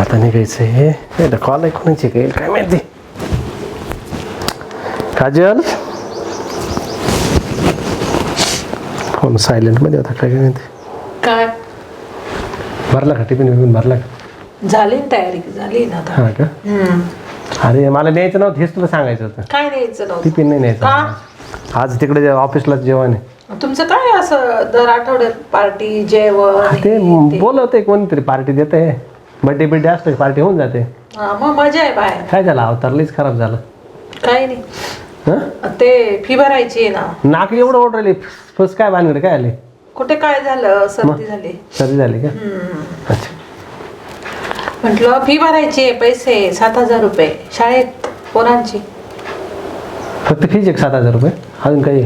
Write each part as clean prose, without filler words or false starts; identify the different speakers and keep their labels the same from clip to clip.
Speaker 1: आता निघायचं हे कॉल ऐकूनच येईल काय माहिती. काजल फोन सायलेंट मध्ये होता काय माहिती.
Speaker 2: काय
Speaker 1: भरला का टिफिन बिफिन भरला का?
Speaker 2: झाली ना तयारी झाली ना आता.
Speaker 1: हा का? अरे मला न्यायचं नव्हतं हेच तुला सांगायचं होतं.
Speaker 2: काय न्यायचं नव्हतं?
Speaker 1: टिफिन नाही न्यायचं आज तिकडे ऑफिसला जेवण आहे.
Speaker 2: तुमचं काय असं दर आठवड्यात पार्टी जेवण
Speaker 1: ते बोलवते कोणीतरी पार्टी देते. बर्थडे बिड्डे असतो पार्टी होऊन जाते.
Speaker 2: मग मजा आहे बाहेर.
Speaker 1: काय झालं अवतारलीच खराब झालं.
Speaker 2: काही नाही
Speaker 1: हं?
Speaker 2: ते फी भरायची आहे ना.
Speaker 1: नाक एवढं ओढरली फस काय भानगड काय आले?
Speaker 2: कुठे काय झालं सर्दी झाली.
Speaker 1: सर्दी झाली का? अच्छा
Speaker 2: म्हटलं फी भरायची आहे पैसे 7,000 रुपये शाळेत पोरांची.
Speaker 1: फक्त फीज एक 7,000 रुपये अजून काही?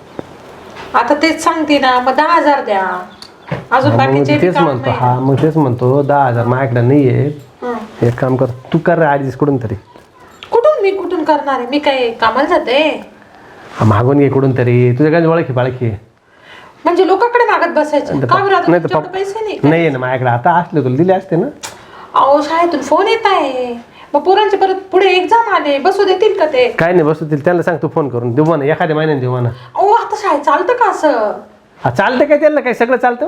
Speaker 2: आता तेच सांगते ना मग 10,000 द्या अजून बाकीचे
Speaker 1: तेच म्हणतो. हा मग तेच म्हणतो 10,000 माझ्याकडे नाही आहे. एक काम कर तू कर ॲडजस्ट कुठून तरी.
Speaker 2: कुठून मी कुठून करणार आहे? मी काय कामाला जाते?
Speaker 1: मागून घे कुठून तरी. तुझ्याकडे ओळखी पाळखी
Speaker 2: म्हणजे लोकांकडे मागत बसायचं का बरं? आता तुमच्याकडे पैसे नाही
Speaker 1: नाही ना माझ्याकडे. आता असले तुला दिले असते ना.
Speaker 2: अहो शाळेतून फोन येत आहे मग पोरांचे परत पुढे एक्झाम आले बसू देतील का ते?
Speaker 1: काय नाही बसतील त्यांना सांग तू फोन करून देऊ म्हणा एखाद्या महिन्याने देऊ म्हणा.
Speaker 2: अहो आता शाळेत चालतं का असं?
Speaker 1: हा चालतं काय त्यांना काय सगळं चालतं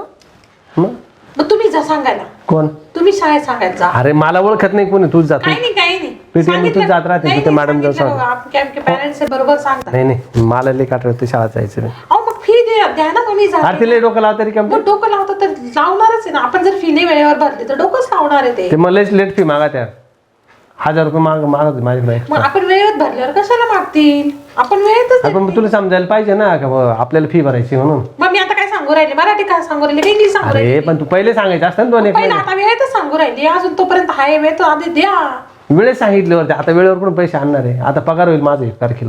Speaker 2: मग तुम्ही जा सांगायला.
Speaker 1: कोण?
Speaker 2: तुम्ही शाळेत सांगायला जा.
Speaker 1: अरे मला ओळखत नाही कोणी तूच जातो.
Speaker 2: काही नाही काही नाही
Speaker 1: PTM तूच जात राहते तिथे मॅडम जाऊ सांग.
Speaker 2: आमचे पॅरेंट्स बरोबर सांगतात.
Speaker 1: नाही नाही मला लई काट शाळा जायचं नाही.
Speaker 2: अहो मग फी द्या ना तुम्ही जा.
Speaker 1: आरती लई डोकं लावता तरी कम
Speaker 2: मग डोकं लावतं तर लावणारच आहे ना. आपण जर फी नाही वेळेवर भरली तर डोकंच लावणार आहे
Speaker 1: ते मला लेट फी मागा त्या 1,000 रुपये मागत माझ्याकडे.
Speaker 2: मग आपण वेळेत भरल्यावर कशाला मागतील? आपण वेळेतच
Speaker 1: पण तुला समजायला पाहिजे ना का आपल्याला फी भरायची म्हणून.
Speaker 2: मग मी आता काय सांगू राहिले? मराठी काय सांगू राहिले? इंग्लिश सांगू राहिले?
Speaker 1: अरे पण तू पहिले सांगायचं असतं ना 2-1
Speaker 2: पहिला आता वेळेतच सांगू राहिली. अजून तोपर्यंत हाय वेळ तर आधी द्या.
Speaker 1: वेळेस सांगितल्यावरती आता वेळेवर पण पैसे आणणार आहे. आता पगार होईल माझं 1 तारखेला.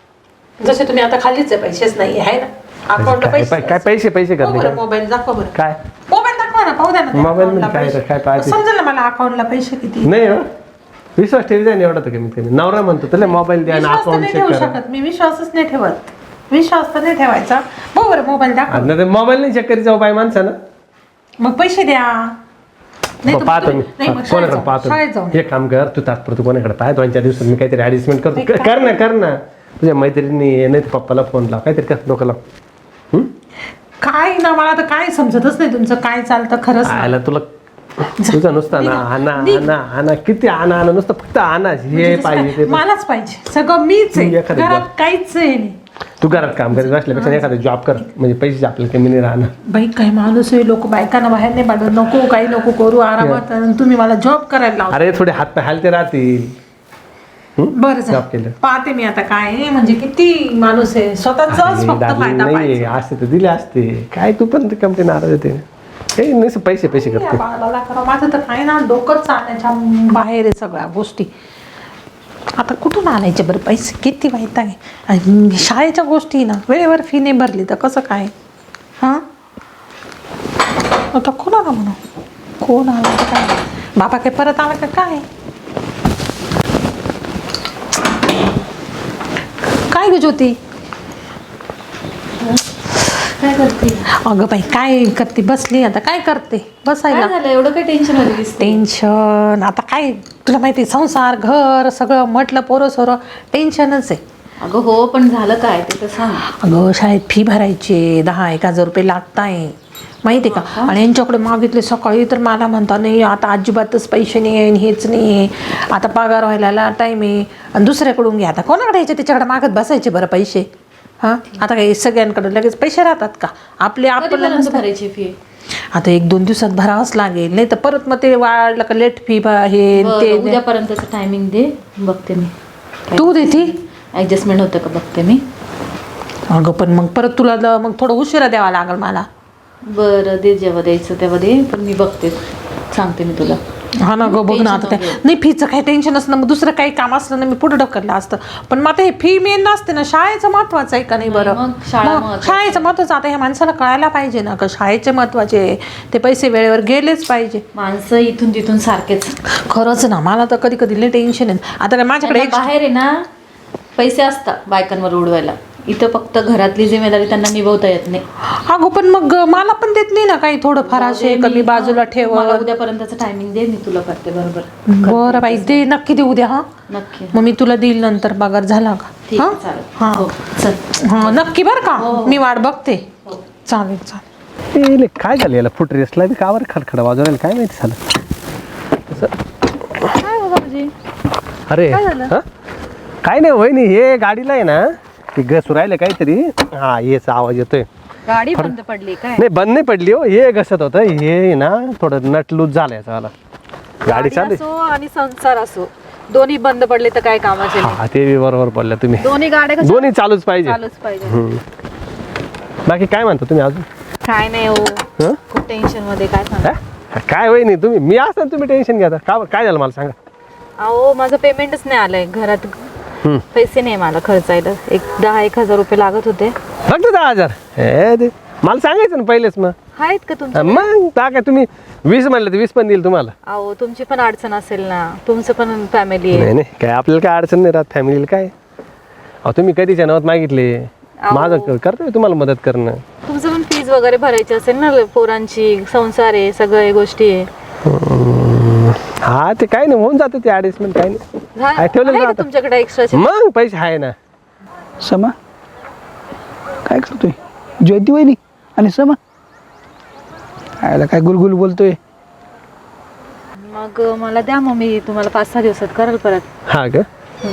Speaker 2: जसे तुम्ही आता खालीच आहे पैसेच नाही आहे ना अकाउंटला पैसे.
Speaker 1: काय पैसे करते
Speaker 2: मोबाईल दाखवा बरं.
Speaker 1: काय
Speaker 2: मोबाईल दाखवा ना पाहू द्या ना.
Speaker 1: मोबाईल मध्ये काय पाहिजे
Speaker 2: समजेल ना मला अकाउंटला पैसे किती.
Speaker 1: नाही हो विश्वास ठेवायचा नाही एवढा तर कमीत कमी. नवरा म्हणतो तुला मोबाईल द्या ना
Speaker 2: विश्वास तर
Speaker 1: अकाउंट
Speaker 2: नाही
Speaker 1: चेक
Speaker 2: ठेवू
Speaker 1: करा.
Speaker 2: शकत मी. विश्वासच नाही ठेवत. विश्वास तर नाही ठेवायचा. बरं मोबाईल दाखवा.
Speaker 1: मोबाईल नाही चेक करी जाऊ बाय माणसानं.
Speaker 2: मग पैसे द्या. नाही तर
Speaker 1: पाहतो मी
Speaker 2: नाही मग
Speaker 1: कोणाकडे पाहतो.
Speaker 2: शाळेत जाऊन
Speaker 1: एक काम कर तू तात्पुरतं कोणाकडे पाह 2-4 दिवसात मी काहीतरी ऍडजस्टमेंट करतो. कर ना तुझ्या मैत्रिणी नाही तर पप्पाला फोन लाव काहीतरी कर डोकं लाव.
Speaker 2: काय ना मला तर काय समजतच नाही तुमचं काय चालतं खरंच ना.
Speaker 1: आयला तुला तुझं नुसतं ना आणा किती आणा नुसतं फक्त आणा हे पाहिजे ते
Speaker 2: मलाच पाहिजे सगळं मीच आहे.
Speaker 1: एखादं
Speaker 2: घरात काहीच आहे नाही.
Speaker 1: तू घरात काम करीत असल्यापेक्षा एखादा जॉब कर म्हणजे पैसे आपल्याला कमी नाही राहणार.
Speaker 2: बाई काय माणूस आहे. लोक बायकांना बाहेर नाही पाठवत. नको काही नको करू आरामात. आणि तुम्ही मला जॉब करायला लावा.
Speaker 1: अरे थोडे हात पाय हलते राहतील.
Speaker 2: बरं
Speaker 1: जॉब केलं
Speaker 2: पाहते मी आता काय आहे. म्हणजे किती माणूस आहे स्वतःचाच फक्त फायदा
Speaker 1: नाही
Speaker 2: पाहिजे.
Speaker 1: असते तर दिले असते काय तू पण कंपनी नाराज होते काही नाही पैसे करते.
Speaker 2: या बाळाला करा. माझं तर काय ना डोकंच चालण्याच्या बाहेर आहे सगळ्या गोष्टी. आता कुठून आणायचे बरं पैसे? किती वाईट आहे. आणि शाळेच्या गोष्टी ना वेळेवर फी नाही भरली तर कसं काय? हां आता कोणाला म्हणू? कोण आला तर काय? बाबा काय परत आला का काय? काय ग ज्योती?
Speaker 3: काय करते?
Speaker 2: अगं बाई काय करते? बसली आता काय करते? बसायला
Speaker 3: काय झालं एवढं काय टेन्शन मध्ये दिसते?
Speaker 2: टेन्शन आता काय तुला माहिती संसार घर सगळं म्हटलं पोरं सोरं टेन्शनच आहे.
Speaker 3: अगं हो पण झालं काय ते तर सांग.
Speaker 2: अगं शाळेत फी भरायची 10,000 रुपये लागताय माहिती आहे का? आणि यांच्याकडे मागितले सकाळी तर मला म्हणता नाही आता अजिबातच पैसे नाही आहे हेच नाही आहे. आता पगार व्हायला टाईम आहे आणि दुसऱ्याकडून घ्या. आता कोणाकडे यायचे त्याच्याकडे मागत बसायचे बरं पैसे? हां आता काही सगळ्यांकडे लगेच पैसे राहतात का? आपले आपल्याला
Speaker 3: भरायची फी
Speaker 2: आता 1-2 दिवसात भरावंच लागेल. नाही तर परत मग ते वाढलं का लेट फी हे ते.
Speaker 3: उद्यापर्यंतचं टायमिंग दे बघते मी.
Speaker 2: तू देती
Speaker 3: ऍडजस्टमेंट होतं का बघते मी.
Speaker 2: अगं पण मग परत तुला मग थोडं उशिरा द्यावा लागेल मला.
Speaker 3: बरं दे जेव्हा द्यायचं तेव्हा दे पण मी बघते सांगते मी तुला.
Speaker 2: हा ना गं बघ ना आता काय नाही फीचं काही टेन्शन असलं मग दुसरं काही काम असलं ना मी पुढे ढकललं असतं. पण मग आता हे फी मेन नसते ना. शाळेचं महत्वाचं आहे का नाही बरं?
Speaker 3: मग
Speaker 2: शाळेचं महत्वाचं आता ह्या माणसाला कळायला पाहिजे ना का शाळेचे महत्वाचे ते पैसे वेळेवर गेलेच पाहिजे.
Speaker 3: माणसं इथून तिथून सारखेच.
Speaker 2: खरंच ना मला तर कधी कधी लई टेन्शन आहे. आता काय माझ्याकडे
Speaker 3: बाहेर आहे ना पैसे असतात बायकांवर उडवायला. इथं फक्त घरातली जिम्मेदारी त्यांना निभवता येत नाही.
Speaker 2: अगो पण मग मला पण देत नाही ना काही थोडंफार असे कमी बाजूला ठेव.
Speaker 3: मला उद्यापर्यंतचं टायमिंग दे, मी तुला करते बरोबर.
Speaker 2: बरं बाई दे, नक्की देऊ द्या. हा
Speaker 3: नक्की.
Speaker 2: मग मी तुला देईल नंतर पगार झाला का.
Speaker 3: ठीक
Speaker 2: हा
Speaker 3: आहे, चालेल.
Speaker 2: हा
Speaker 3: हो, चल.
Speaker 2: हा नक्की बरं का. मी वाट बघते. चालेल चालेल.
Speaker 1: काय झालं याला फुट रेसला बी कावर खडखड वाजवायला काय माहिती झालं.
Speaker 3: काय हो बाबाजी?
Speaker 1: अरे हा काय नाही वहिनी, हे गाडीला आहे ना ती घसू राहिले काहीतरी. हा याचा आवाज येतोय.
Speaker 3: गाडी बंद पडली काय?
Speaker 1: नाही बंद नाही पडली हो, हे घसत होतं हे ना थोडं नट लूज झालं याचा वाला. गाडी चालू
Speaker 3: असो आणि संसार असो, दोन्ही बंद पडले तर काय कामाचे नाही.
Speaker 1: हा ते बी बरोबर बोलल्या तुम्ही.
Speaker 3: दोन्ही गाड्या कशा
Speaker 1: दोन्ही चालूच पाहिजे.
Speaker 3: चालूच पाहिजे.
Speaker 1: बाकी काय म्हणता तुम्ही अजून?
Speaker 3: काय नाही हो,
Speaker 1: हं?
Speaker 3: खूप टेन्शन मध्ये. काय सांग.
Speaker 1: हा? काय वहिनी तुम्ही, मी असताना तुम्ही टेन्शन घ्या का. काय झालं मला सांगा.
Speaker 3: अहो माझं पेमेंटच नाही आलंय, घरात पैसे नाही मला खर्चायला. 10,000-1,000 रुपये लागत होते.
Speaker 1: फक्त 10,000? हे ते मला सांगायचं ना पहिलेच. मग
Speaker 3: आहेत का तुमचे?
Speaker 1: मग काय तुम्ही 20 म्हणलं तर 20 पण देईल तुम्हाला.
Speaker 3: अहो तुमची पण अडचण असेल ना, तुमचं पण फॅमिली आहे.
Speaker 1: नाही नाही काय आपल्याला काय अडचण नाही राहत फॅमिलीला. काय अहो तुम्ही कधीच्या नावात मागितले, माझं करतोय तुम्हाला मदत करणं.
Speaker 3: तुमचं पण फीज वगैरे भरायची असेल ना, पोरांची, संसार आहे, सगळ्या गोष्टी आहे.
Speaker 1: हा ते काय नाही होऊन जातं ते ऍडजस्टमेंट. काय नाही ठेवलं
Speaker 3: आहे का तुमच्याकडे एक्स्ट्राचे?
Speaker 1: मग पैसे आहे ना.
Speaker 4: समा काय करतोय? ज्योती वहिनी आणि समा आयला काय गुलगुल बोलतोय.
Speaker 3: मग मला द्या, मग मी तुम्हाला 5-6 दिवसात कराल परत.
Speaker 1: हा का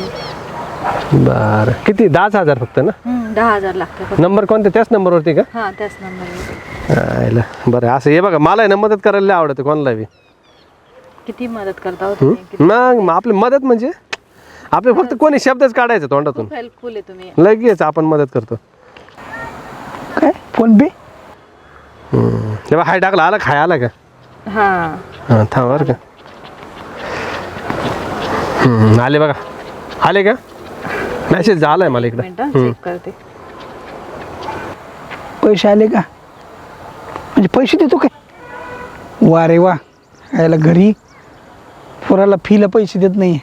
Speaker 1: बरं. किती? 10,000 फक्त ना?
Speaker 3: 10,000 लागते.
Speaker 1: नंबर कोणते? त्याच नंबरवरती का?
Speaker 3: हा त्याच नंबर.
Speaker 1: आयला बरं. असं हे बघा मला आहे ना मदत करायला लय आवडतं कोणाला बी.
Speaker 3: किती मदत करता हो तुम्ही?
Speaker 1: मग आपली मदत म्हणजे आपले फक्त कोणी शब्दच काढायचं तोंडातून,
Speaker 3: खूप हेल्पफुल आहे तुम्ही.
Speaker 1: लगेच आपण मदत करतो.
Speaker 4: काय फोन पे?
Speaker 1: तेव्हा हाय टाकला आला खाय आला का?
Speaker 3: हा
Speaker 1: हां थांब बरं का. आले बघा. आले का? मेसेज झालाय मला इकडं.
Speaker 3: चेक करते.
Speaker 4: पैसे आले का? म्हणजे पैसे देतो काय? वा रे वा. यायला घरी पोराला फीला पैसे देत नाही.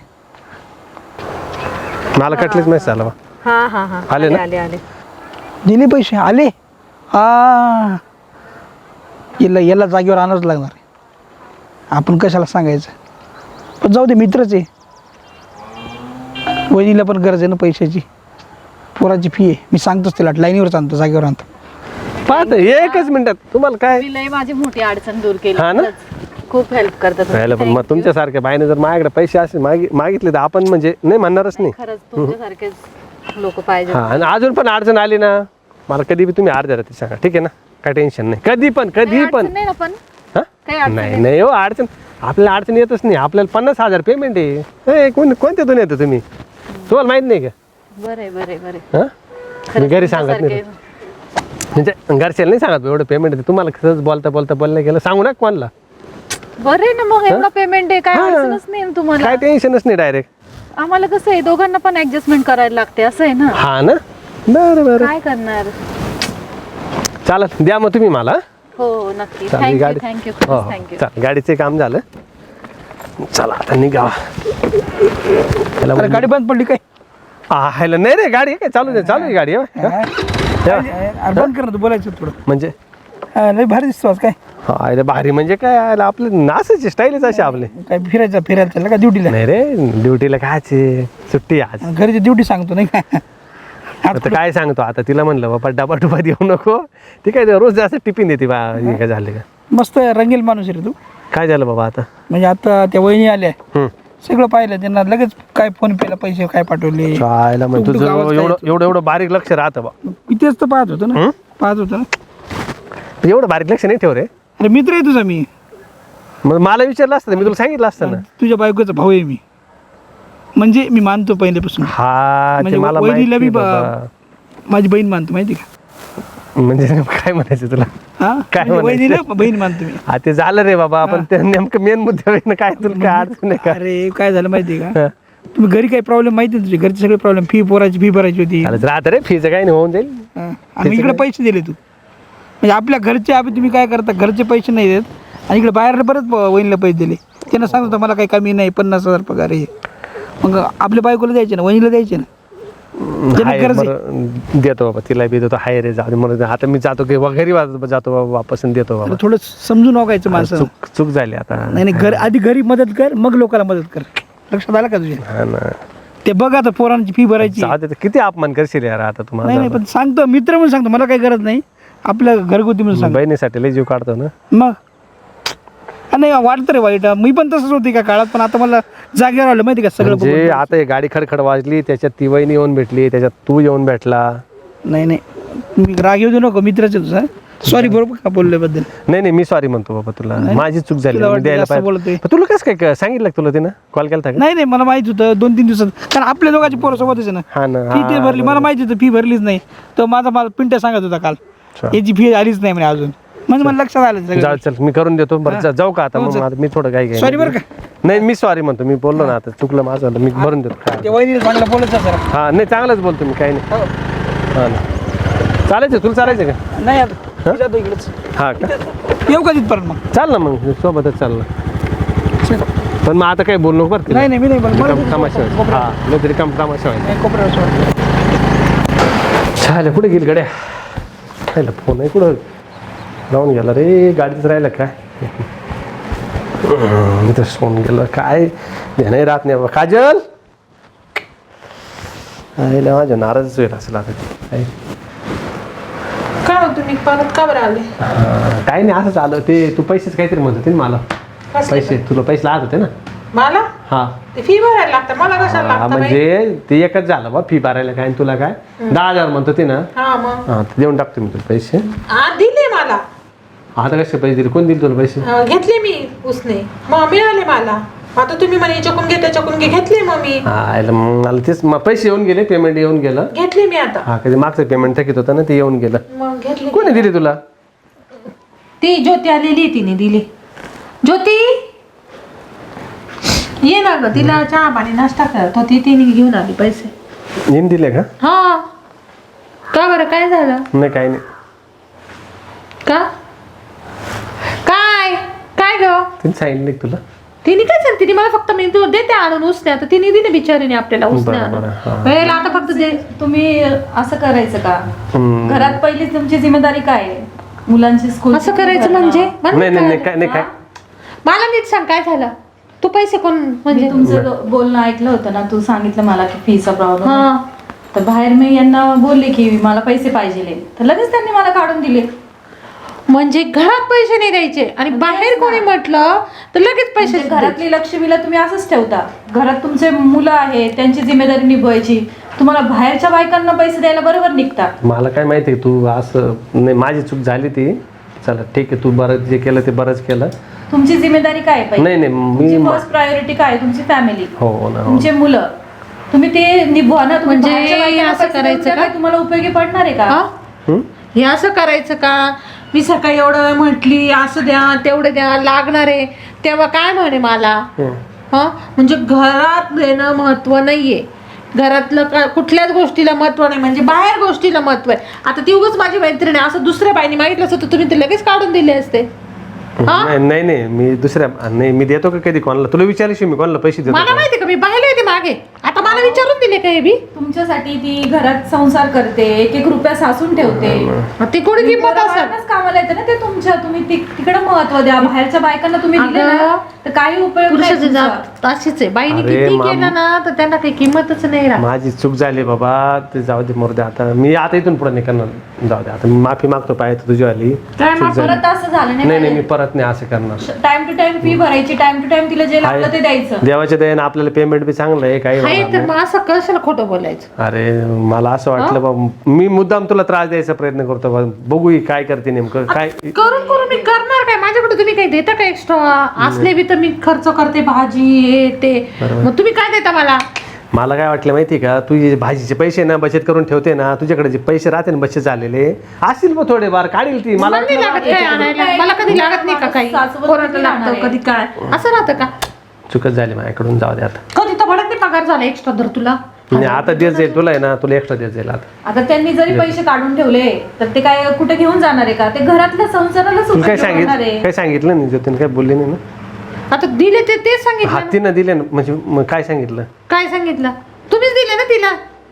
Speaker 1: मला कटलेच मेसेज आला बा.
Speaker 3: हा हा हा
Speaker 1: आले ना?
Speaker 3: आले आले.
Speaker 4: दिले पैसे आले. हा याला जागेवर आणावंच लागणार. आपण कशाला सांगायचं. पण जाऊ दे, मित्रच आहे. वहिनीला पण गरज आहे ना पैशाची. पोराची फी आहे. मी सांगतोच तिला, लाईनीवर आणतो, जागेवर आणतो.
Speaker 1: पाहत एकच मिनिटात तुम्हाला काय.
Speaker 3: मी लय माझी मोठी अडचण दूर केली.
Speaker 1: हा ना?
Speaker 3: खरंच. खूप हेल्प करतात
Speaker 1: राहिलं पण मग तुमच्यासारख्या बाईने जर माझ्याकडे पैसे असे मागितले तर आपण म्हणजे नाही म्हणणारच नाही.
Speaker 3: खरंच तुमच्यासारखेच लोक पाहिजे.
Speaker 1: हा आणि अजून पण अडचण आली ना मला कधी बी तुम्ही अर्ध्या रात्री सांगा, ठीक आहे ना? काय टेन्शन नाही. कधी पण
Speaker 3: नाही ना पण
Speaker 1: हा?
Speaker 3: काही अडचण
Speaker 1: नाही नाही हो अडचण आपल्याला अडचण येतच नाही. आपल्याला 50,000 पेमेंट आहे. कोणत्यातून येतं तुम्ही? तुम्हाला माहित नाही का?
Speaker 3: बरे बरे बरे.
Speaker 1: हा मी घरी सांगत नाही म्हणजे घरच्याला नाही सांगत एवढं पेमेंट आहे. तुम्हाला खरंच बोलता गेलं सांगू ना कोणाला.
Speaker 3: बरे ना मग एवढा पेमेंट आहे, काय अडचणच नाही ना तुम्हाला.
Speaker 1: काय टेन्शनच नाही. डायरेक्ट
Speaker 3: आम्हाला कसं आहे, दोघांना पण ऍडजस्टमेंट करायला लागते, असं आहे ना.
Speaker 1: हा ना. बरं बरं
Speaker 3: काय करणार.
Speaker 1: चालत द्या मग तुम्ही मला.
Speaker 3: हो नक्की.
Speaker 1: चालेल गाडी.
Speaker 3: थँक्यू
Speaker 1: हो
Speaker 3: थँक्यू.
Speaker 1: चालेल गाडीचे काम झालं. चला आता निघा.
Speaker 4: अरे गाडी बंद पडली काय?
Speaker 1: हायला नाही रे गाडी काय चालू आहे गाडी.
Speaker 4: अरे बंद कर ना, तू बोलायचं थोडं.
Speaker 1: म्हणजे
Speaker 4: लय भारी दिसतो आज. काय
Speaker 1: हा भारी म्हणजे काय आपलं नासाची स्टाईलच अशी आपले.
Speaker 4: काय फिरायला चाललं का ड्युटीला?
Speaker 1: नाही रे ड्युटीला कायचे सुट्टी आज.
Speaker 4: घरची ड्युटी सांगतो नाही का?
Speaker 1: आता काय सांगतो आता तिला म्हणलं बाबा डबा डुबा देऊ नको. ती काय रोज जास्त टिफिन देते बा. हे काय झाले का?
Speaker 4: मस्त रंगील माणूस आहे रे तू.
Speaker 1: काय झालं बाबा आता?
Speaker 4: म्हणजे आता त्या वहिनी आल्या, सगळं पाहिलं त्यांना. लगेच काय फोन पेला पैसे काय पाठवले.
Speaker 1: चायला म्हणजे तुझं एवढं बारीक लक्ष राहतं बा.
Speaker 4: मी तेच तर पाहत होतो ना.
Speaker 1: एवढं बारीक लक्ष नाही ठेव रे.
Speaker 4: अरे मित्र आहे तुझा मी.
Speaker 1: मग मला विचारलं असतं मी तुला सांगितलं असतं ना.
Speaker 4: तुझ्या बायकोचा भाऊ आहे मी. म्हणजे मी मानतो पहिल्यापासून.
Speaker 1: हा
Speaker 4: म्हणजे
Speaker 1: ते मला
Speaker 4: वहिनीला
Speaker 1: माहिती
Speaker 4: बी
Speaker 1: बाबा.
Speaker 4: माझी बहीण मानतो, माहिती का?
Speaker 1: म्हणजे काय म्हणायचं तुला?
Speaker 4: हा
Speaker 1: काय
Speaker 4: म्हणजे वहिनीला बहीण मानतो मी.
Speaker 1: हा ते झालं रे बाबा. आपण ते नेमकं मेन मुद्द्यावर काय तुला काय अडचण आहे का?
Speaker 4: अरे काय झालं माहिती आहे का? तुम्ही घरी काही प्रॉब्लेम माहिती आहे तुझे घरचे सगळे प्रॉब्लेम. फी पोराची फी भरायची होती.
Speaker 1: राहत रे फीचं काही नाही होऊन जाईल.
Speaker 4: आम्ही इकडे पैसे दिले तू. म्हणजे आपल्या घरचे तुम्ही काय करता, घरचे पैसे नाही देत आणि इकडे बाहेर परत वहिनीला पैसे दिले. त्यांना सांगतो मला काही कमी नाही, 50,000 पगार आहे. मग आपल्या बायकोला द्यायचे ना, वहिनीला द्यायचे ना. ज्याला
Speaker 1: हाय,
Speaker 4: गरज आहे.
Speaker 1: बरं, देतो बाबा तिला बी देतो. हाय रे जाऊ दे म्हणून आता मी जातो की घरी जातो बाबा वापस आणि देतो बाबा.
Speaker 4: तर थोडं समजून वागायचं माणसं.
Speaker 1: चूक झाली आता.
Speaker 4: नाही नाही, आधी घरी मदत कर, मग लोकांना मदत कर. लक्षात आलं का तुझ्या?
Speaker 1: हा ना,
Speaker 4: ते बघ आता पोरांची फी भरायची.
Speaker 1: जाऊ दे, किती अपमान करशील यार आता
Speaker 4: नाही
Speaker 1: तुम्हाला.
Speaker 4: नाही, पण सांगतो मित्र म्हणून सांगतो, मला काही गरज नाही. आपल्या घरगुती म्हणून सांग.
Speaker 1: बहिणीसाठी लय जीव काढतो ना.
Speaker 4: मग नाही वाटतं रे वाईट. मी पण तसंच होती का काळात, पण आता मला जागेवर आलं माहिती का सगळं
Speaker 1: म्हणजे
Speaker 4: बघून.
Speaker 1: आता ही गाडी खडखड वाजली, त्याच्यात ती वहिनी येऊन भेटली, त्याच्यात तू येऊन भेटला.
Speaker 4: नाही नाही, मी राग येऊ देऊ नको, मित्राचे तुझा. सॉरी बरोबर का बोलल्याबद्दल.
Speaker 1: नाही मी सॉरी म्हणतो बाबा तुला. माझी चूक झाली,
Speaker 4: तुला
Speaker 1: मी
Speaker 4: वाटतं
Speaker 1: द्यायला
Speaker 4: जास्त
Speaker 1: पाहिजे.
Speaker 4: बोलतोय.
Speaker 1: पण तुला कसं काय सांगितलं का तुला तिनं कॉल केला का?
Speaker 4: नाही नाही, मला माहित होतं 2-3 दिवसात, कारण आपल्या दोघांची पोरं सोबतच आहे ना.
Speaker 1: हा ना,
Speaker 4: फी ते भरली, मला माहिती होतं फी भरलीच नाही. तर मला पिंट्या सांगत होता काल, याची फी आलीच नाही म्हणे अजून. म्हणजे मला लक्षात आलं सगळं.
Speaker 1: जाऊ चल, मी करून देतो. बरं जाऊ का आता? मग आता मी थोडं काय
Speaker 4: सॉरी बरं का.
Speaker 1: नाही मी सॉरी म्हणतो, मी बोललो ना आता चुकलं माझं, मी भरून देतो. काय
Speaker 4: ते वहिनीला चांगलं बोलत सर.
Speaker 1: हा नाही, चांगलंच बोलतो मी, काही नाही. हा ना, चालायचं तुला, चालायचं का?
Speaker 4: नाही आता मी जातो इकडेच.
Speaker 1: हा का,
Speaker 4: येऊ का तिथपर्यंत मग?
Speaker 1: चाल ना मग सोबतच चाल ना. पण मग आता काही बोलू नको बरं.
Speaker 4: नाही नाही, मी नाही बोलत. मला
Speaker 1: रिकाम तमाशा व्हायचा. हा नाही तरी रिकाम तमाशा व्हायचा.
Speaker 4: नाही, कोपऱ्यावर सोड.
Speaker 1: चालेल, कुठे गेली गड्या? राहिला फोन आहे कुठं लावून गेला रे, गाडीच राहिला काय? इथंच फोन गेला काय, ध्यानही राहत नाही बाबा. काजल आईला माझ्या नाराजच होईल असेल आता ती.
Speaker 2: काय हो तुम्ही परत का बरं आले?
Speaker 1: काय नाही, असंच आलं. ते तू पैसेच काहीतरी म्हणत होते ना मला. पैसे तुला पैसे लागत होते ना.
Speaker 2: मला
Speaker 1: हा
Speaker 2: ते फी भरायला लागतं, मला कशाला
Speaker 1: हा,
Speaker 2: लागतं?
Speaker 1: म्हणजे ते एकच झालं बा, फी भरायला काय आणि तुला काय 10,000 म्हणत होते ना.
Speaker 2: हा मग
Speaker 1: हा ते देऊन टाकतो मी तुला पैसे.
Speaker 2: दिले मला.
Speaker 1: आता कसे पैसे दिले? कोण दिले तुला पैसे?
Speaker 2: घेतले मी उसने, मग मिळाले मला. आता तुम्ही म्हणे चकून घे त्याच्याकून घे, घेतले मग मी.
Speaker 1: हा मग मला तेच पैसे येऊन गेले, पेमेंट येऊन गेलं.
Speaker 2: घेतले मी आता.
Speaker 1: हा कधी मागचं पेमेंट थकीत होतं ना, ते येऊन गेलं.
Speaker 2: मग घेतले.
Speaker 1: कोणी दिली तुला?
Speaker 2: ती ज्योती आलेली, तिने दिली. ज्योती ये ना ग, तिला चहा पाणी नाश्ता करत होती, तिने घेऊन आली पैसे.
Speaker 1: येऊन दिले का?
Speaker 2: हा का बरं, काय झालं?
Speaker 1: नाही काही नाही.
Speaker 2: का काय काय ग?
Speaker 1: तिने सांगितलं का तुला?
Speaker 2: तिने काय सांग, तिने मला फक्त मी तू देते आणून उसने. आता तिने दिले बिचारीने आपल्याला उसने
Speaker 1: बरं,
Speaker 2: आणून.
Speaker 1: बरं, हा.
Speaker 2: वेळेला आता फक्त दे.
Speaker 3: तुम्ही असं करायचं का?
Speaker 1: हम्म.
Speaker 3: घरात पहिली तुमची जिम्मेदारी काय आहे? मुलांची स्कूल
Speaker 2: असं करायचं म्हणजे? मला
Speaker 1: नाही नाही
Speaker 2: कळलं.
Speaker 1: नाही काय नाही काय.
Speaker 2: मला नीट सांग काय झालं. तू पैसे कोण म्हणजे?
Speaker 3: मी तुमचं बोलणं ऐकलं होतं ना, तू सांगितलं मला की फीचा प्रॉब्लेम.
Speaker 2: हा
Speaker 3: तर बाहेर मी यांना बोलले की मला पैसे पाहिजे, तर लगेच त्यांनी मला काढून दिले.
Speaker 2: म्हणजे घरात पैसे नाही द्यायचे आणि बाहेर कोणी म्हटलं तर लगेच पैसे
Speaker 3: म्हणजे घरातली लक्ष्मीला तुम्ही असंच ठेवता. घरात तुमचे मुलं आहेत, त्यांची जिम्मेदारी निभवायची. तुम्हाला बाहेरच्या बायकांना पैसे द्यायला बरोबर निघता.
Speaker 1: मला काय माहिती आहे, तू असं नाही, माझी चूक झाली ती. चला ठीक आहे, तू बरंच जे केलं ते बरंच केलं.
Speaker 3: तुमची जिम्मेदारी काय आहे?
Speaker 1: नाही नाही मी
Speaker 3: तुमची फर्स्ट प्रायोरिटी काय आहे? तुमची फॅमिली,
Speaker 1: हो ना हो.
Speaker 3: तुमचे मुलं, तुम्ही ते निभवा ना. तुम्ही
Speaker 2: म्हणजे
Speaker 3: बाहेरच्या बायकांना
Speaker 2: असं
Speaker 3: पैसे देऊन
Speaker 2: करायचं
Speaker 3: त्या
Speaker 2: का?
Speaker 3: काय तुम्हाला उपयोगी पडणार आहे का?
Speaker 2: हा?
Speaker 1: हम्म?
Speaker 2: हे असं करायचं का? मी सकाळी एवढं वेळ म्हटली असं द्या तेवढे द्या लागणार आहे, तेव्हा काय म्हणे मला? हा म्हणजे घरात देणं महत्व नाहीये. घरातलं कुठल्याच गोष्टीला महत्व नाही, म्हणजे बाहेर गोष्टीला महत्व आहे. आता ती उगाच माझी मैत्रीण आहे, असं दुसऱ्या बाईने मागितलं असतं तर तुम्ही ते लगेच काढून दिले असते.
Speaker 1: नाही नाही मी दुसऱ्या नाही, मी देतो का कधी कोणाला? तुला विचारल्याशिवाय मी कोणाला पैसे देतो
Speaker 2: मला
Speaker 1: का?
Speaker 2: माहिती का, मी पाहिले होते मागे. आता मला विचारून दिले का हे बी?
Speaker 3: तुमच्यासाठी ती घरात संसार करते, एक एक रुपया सासून ठेवते.
Speaker 2: ती कोणी किंमत असेल?
Speaker 3: पोराबाळांनाच कामाला येते ना ते तुमच्या. तुम्ही तिकडे महत्व द्या. बाहेरच्या बायकांना तुम्ही दिले ना तर काही उपयोग नाही
Speaker 2: पुरुषाची
Speaker 3: तुमचा.
Speaker 2: जात अशीच आहे. बाईने
Speaker 1: अरे
Speaker 2: किती
Speaker 1: माम-
Speaker 2: केलं ना तर त्यांना काही किंमतच नाही राहत.
Speaker 1: माझी चूक झाली बाबा, ते जाऊ दे मरू दे. आता मी आता इथून पुढे नाही करणार. जाऊ दे आता, मी माफी मागतो पाहिजे तुझी आली.
Speaker 2: काय माफ
Speaker 3: परत असं झालं
Speaker 1: नाही नाही
Speaker 3: नाही.
Speaker 1: मी परत नाही असं करणार.
Speaker 3: टाइम टू टाइम फी भरायची, टाइम टू टाइम तिला जे लागलं ते द्यायचं.
Speaker 1: देवाच्या दयेनं आपल्याला पेमेंट बी चांगलं आहे, काही
Speaker 2: आहे
Speaker 1: होणार
Speaker 2: तर
Speaker 1: नाही.
Speaker 2: मग असं कशाला खोटं बोलायचं?
Speaker 1: अरे मला असं वाटलं बाबा, मी मुद्दाम तुला त्रास द्यायचा प्रयत्न करतो बा. बघू ही काय करते नेमकं काय.
Speaker 2: करून करून मी करणार काय? माझ्याकडे तुम्ही काही देता का एक्स्ट्रा? असले बी तर मी खर्च करते, भाजी हे ते. मग तुम्ही काय देता मला?
Speaker 1: मला काय वाटलं माहिती का, तू जे भाजीचे पैसे ना बचत करून ठेवते ना, तुझ्याकडे जे पैसे राहते ना बचत झालेले असतील मग थोडेफार काढील ती. मला
Speaker 2: मला नाही लागत काय आणायला. मला कधी लागत नाही का काही?
Speaker 3: सासूबाई
Speaker 2: कोणाला
Speaker 3: किती
Speaker 2: लागतं
Speaker 3: राहणार
Speaker 2: कधी काय असं राहतं का?
Speaker 1: चुकत झाली माझ्याकडून, जाऊ दे आता.
Speaker 2: कधी तर भडक नाही पगार झाला एक्स्ट्रा धर तुला.
Speaker 1: नाही आता देत जाईल तुला आहे ना, तुला एक्स्ट्रा देत जाईल आता.
Speaker 3: आता त्यांनी जरी पैसे काढून ठेवले तर ते काय कुठे घेऊन जाणार आहे का? ते घरातल्या संसाराला
Speaker 1: तुला काय
Speaker 3: सुद्धा होणार आहे.
Speaker 1: काय सांगितलं नाही ज्योतीने, काय बोलली नाही ना?
Speaker 2: आता दिले ते तेच सांगितलं ना.
Speaker 1: हातीनं दिले ना, म्हणजे मग काय सांगितलं?
Speaker 2: काय सांगितलं? तुम्हीच दिले ना तिला.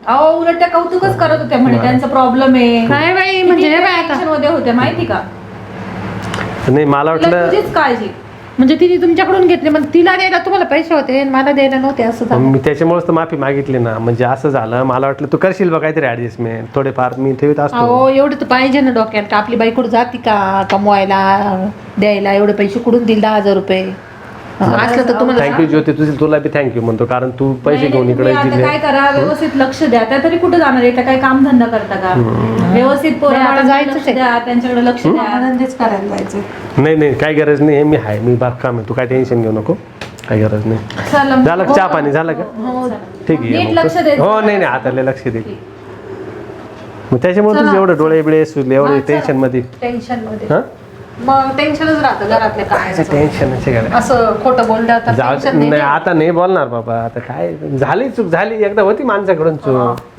Speaker 3: अहो उलट त्या कौतुकच करत होत्या म्हणे त्यांचा प्रॉब्लेम आहे.
Speaker 2: काय बाई म्हणजे हे बाई आता
Speaker 3: टेन्शन मध्ये होत्या माहिती का.
Speaker 1: नाही मला
Speaker 3: तुला
Speaker 1: वाटलं
Speaker 3: तुझीच काळजी.
Speaker 2: म्हणजे तिने तुमच्याकडून घेतले मग तिला द्यायला तुम्हाला पैसे होते आणि मला द्यायला नव्हते असं झालं.
Speaker 1: मी त्याच्यामुळेच तर माफी मागितली ना. म्हणजे असं झालं मला वाटलं तू करशील बघ काहीतरी ऍडजस्टमेंट थोडेफार मी ठेवत असतो.
Speaker 2: अहो एवढं तर पाहिजे ना डोक्यात का आपली बाई कुठं जाती का कमवायला द्यायला एवढे पैसे कुठून दिल 10,000 रुपये असलं तर तुम्हाला
Speaker 1: थँक्यू ज्योती तुला बी थँक्यू म्हणतो कारण तू पैसे घेऊन
Speaker 3: नाही,
Speaker 1: इकडे
Speaker 3: तुम्ही आता
Speaker 1: दिले.
Speaker 3: काय करा व्यवस्थित लक्ष द्या. त्या तरी कुठे जाणार आहे त्या काही काम धंदा करता का. व्यवस्थित
Speaker 2: नाही, आता
Speaker 3: पोरांकडे
Speaker 2: जायचंच
Speaker 3: लक्ष
Speaker 2: आहे.
Speaker 3: द्या त्यांच्याकडे लक्ष द्या.
Speaker 2: धंदेच करायला जायचं.
Speaker 1: नाही काही गरज नाही हे मी आहे मी बागकाम आहे तू काय टेन्शन घेऊ नको काही गरज नाही.
Speaker 3: चला
Speaker 1: झालं का? चहा पाणी झालं का ठीक आहे
Speaker 3: नीट
Speaker 1: मग
Speaker 3: लक्ष
Speaker 1: तसं-
Speaker 3: द्यायचं.
Speaker 1: हो नाही आता लक्ष दे. मग त्याच्यामुळे तुझं एवढं डोळे बिळे सुचले एवढे टेन्शन मध्ये
Speaker 2: टेन्शन मध्ये
Speaker 1: हा
Speaker 2: मग टेन्शनच राहतं घरातल्या काय
Speaker 1: टेन्शन
Speaker 2: असं खोटं बोललं तर
Speaker 1: जाऊ
Speaker 2: टेन्शन
Speaker 1: नाही आता नाही बोलणार बाबा आता काय झाली चूक झाली एकदा होती माणसाकडून चूक